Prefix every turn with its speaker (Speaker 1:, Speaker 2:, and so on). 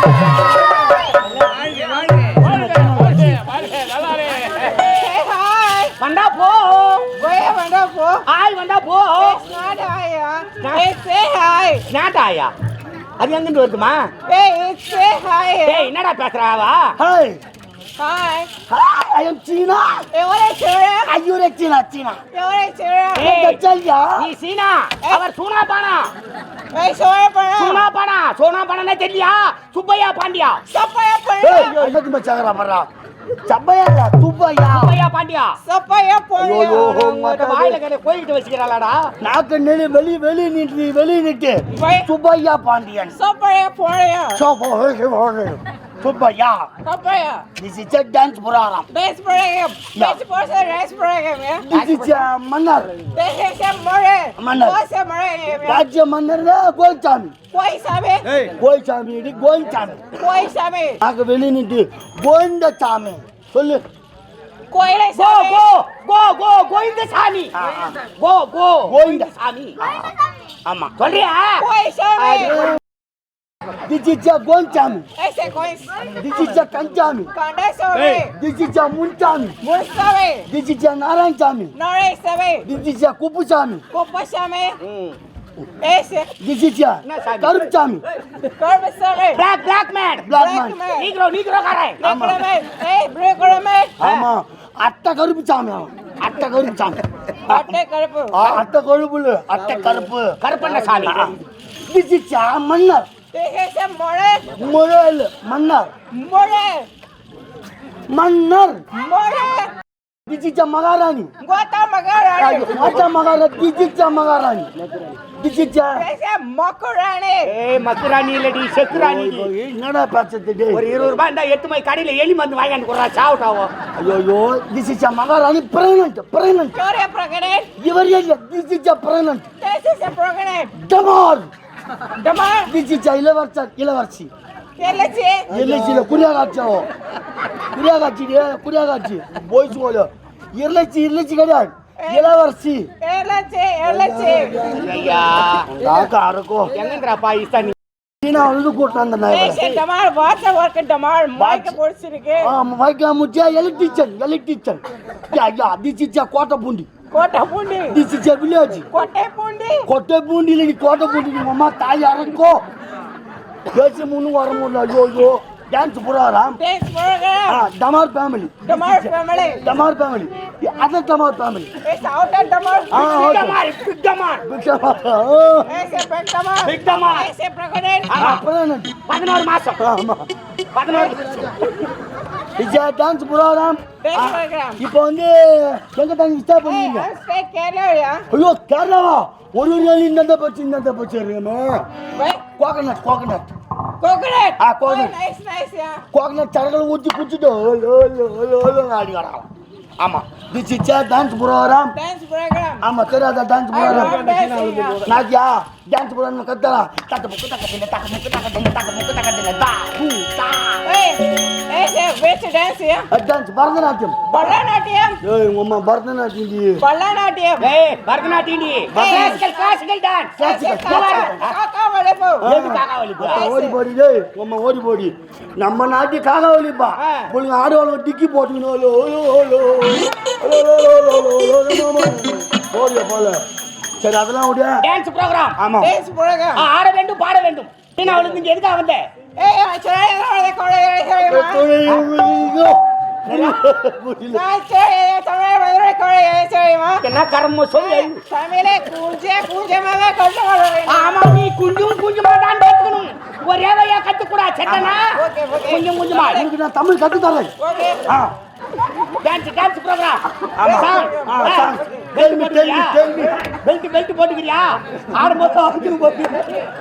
Speaker 1: வந்தா போ வந்தா போ ஆய் வந்தா போ நாட்டாயா அது எங்கிட்டு வருதுமா என்னடா பேசுறாவா
Speaker 2: Hi.
Speaker 3: Hi, I am China. Are you a China? China.
Speaker 1: நீ சீனா அவர் சூனா பானா சூனா பானா தெரியலையா சுப்பையா பாண்டியா சுப்பையா பாண்டியா வாயில கடை கோயிட்டு வச்சுக்கிறாளாடா
Speaker 3: நாக்கு நெளி வெளி நிட்டு Subbaiah Pandian Subaya. This is a dance program.
Speaker 2: Dance program. Dance program.
Speaker 3: This is a manner.
Speaker 2: This is a manner. What's a manner?
Speaker 3: What's a manner? Goichami.
Speaker 2: Goichami.
Speaker 3: Goichami. Goichami.
Speaker 2: Goichami.
Speaker 3: நாக்கு வெளி நிட்டு கோவிந்த சாமி சொல்லு
Speaker 2: கோயிலை
Speaker 1: கோவிந்த சாமி கோவிந்த சாமி ஆமா சொல்றியா
Speaker 2: கோயிசாமி
Speaker 3: This is a Gonchami.
Speaker 2: Ese cois.
Speaker 3: This is a Kanchami.
Speaker 2: Kandasame.
Speaker 3: This is a Munchami.
Speaker 2: Mursame.
Speaker 3: This is a Naranchami.
Speaker 2: Naresame.
Speaker 3: This is a Kupusami.
Speaker 2: Kupasame. Ese.
Speaker 3: This is a Karupchami.
Speaker 2: Karupchami.
Speaker 1: Black man. Negro karai.
Speaker 2: Negro man. Hey, Negro man.
Speaker 3: ஆமா அட்டை கருப்புச்சாமி அட்டை கருப்புச்சாமி அட்டை கருப்பு
Speaker 1: கருப்பண்ண சாமி
Speaker 3: This is a மன்னர்
Speaker 2: This is a more.
Speaker 3: முரல் மன்னர் மன்னர் This is a மகாராணி
Speaker 2: Gota Magarani.
Speaker 3: Gota Magarani. This is a மகாராணி This is a
Speaker 2: This is a Makarani.
Speaker 1: மக்குராணி இல்லடி செக்குராணி
Speaker 3: என்னடா பேசுறது
Speaker 1: ஒரு 20 ரூபாய் இருந்தா 8 மை கடையில எலி மருந்து வாங்கிட்டு போறா சாவுட்டாவோ
Speaker 3: ஐயோ This is a மகாராணி pregnant
Speaker 2: You're a pregnant.
Speaker 3: இவர் இல்ல This is a pregnant
Speaker 2: This is a pregnant.
Speaker 3: Damar
Speaker 2: Damar.
Speaker 3: This is a இளவரசி
Speaker 2: Elechi.
Speaker 3: எல்லைச்சில குடியாகாட்சி போய் சொல்ல எல்லைச்சி கிடையாது இளவரசி
Speaker 2: Elechi.
Speaker 1: ஐயா
Speaker 3: காக்கா அரக்கோ
Speaker 1: எங்கங்கடா பாகிஸ்தான்
Speaker 3: சீனா வந்து கூட்டம் அந்த நாய்
Speaker 2: Hey, Damar, what's the work at Damar? Mike போடுச்சிருக்கு.
Speaker 3: மைக்கா முச்சியா எலக்ட்ரிஷியன் யா This is a கோட்டை
Speaker 2: கோட்டை
Speaker 3: This is a village கோட்டை பூண்டில நீ கோட்டை பூண்டி நீ அம்மா தாய் அரக்கோ பேசி முன்னு வர முடியல ஐயோ dance program
Speaker 2: Dance program.
Speaker 3: Damar family
Speaker 2: Damar family.
Speaker 3: Other Damar family
Speaker 2: It's out at Damar.
Speaker 1: Big Damar.
Speaker 2: It's a big Damar. It's a pregnant.
Speaker 3: pregnant
Speaker 1: 11 மாசம்
Speaker 3: ஆமா
Speaker 1: 11
Speaker 3: இது டான்ஸ் புரோகிராம்
Speaker 2: Dance program.
Speaker 3: இப்போ வந்து எங்க தங்கி ஸ்டாப்
Speaker 2: Hey,
Speaker 3: பண்ணீங்க
Speaker 2: I'm stay Kerala.
Speaker 3: ஐயோ கேரளாவா ஒரு நாள் இந்த பச்சு இருக்கமே
Speaker 2: Wait.
Speaker 3: Coconut
Speaker 2: Coconut.
Speaker 3: coconut.
Speaker 2: Oh, nice, yeah.
Speaker 3: Coconut சரகளை ஊற்றி குடிச்சிட்டு ஆடி வரான் ஆமா This is a dance program.
Speaker 2: Dance program.
Speaker 3: ஆமா தெரியாத dance
Speaker 2: I love
Speaker 3: program
Speaker 2: dancing.
Speaker 3: நாக்கியா டான்ஸ் program கத்தரா தட்ட முக்கு தா பூ தா
Speaker 2: Hey, which dance here?
Speaker 3: Dance Bharatanatyam
Speaker 2: Bharatanatyam.
Speaker 3: ஏய் உங்க அம்மா பரதநாட்டியம் டி
Speaker 2: Bharatanatyam.
Speaker 1: ஏய் பரதநாட்டியம் டி கிளாசிக்கல் டான்ஸ்
Speaker 2: Kaka valipu.
Speaker 1: ஏது காகாவலி போ
Speaker 3: ஓடி போடி டேய் உம்மா ஓடி போடி நம்ம நாட்டி காகாவலிப்பா புள்ளைங்க ஆடுவாங்க டிக்கி போட்டுக்கணும் ஓடியா போல சரி அதெல்லாம் ஓடியா
Speaker 1: டான்ஸ் ப்ரோகிராம்
Speaker 3: ஆமா
Speaker 2: Dance program.
Speaker 1: ஆட வேண்டும் பாட வேண்டும் நீ அவளுக்கு இங்க எதுக்கு வந்த
Speaker 2: Hey, I'm trying
Speaker 1: என்ன கர்ம சொல்லு ஆமா நீ குஞ்சுமா தான் பேசணும் ஒரே வழியா கத்துக்கூடா செட்டனா குஞ்சுமா
Speaker 3: எனக்கு நான் தமிழ் கத்து தரேன்
Speaker 1: டான்ஸ் ப்ரோகிராம்
Speaker 3: சாங்
Speaker 1: பெல்ட் போட்டுக்கிறியா ஆடும்போது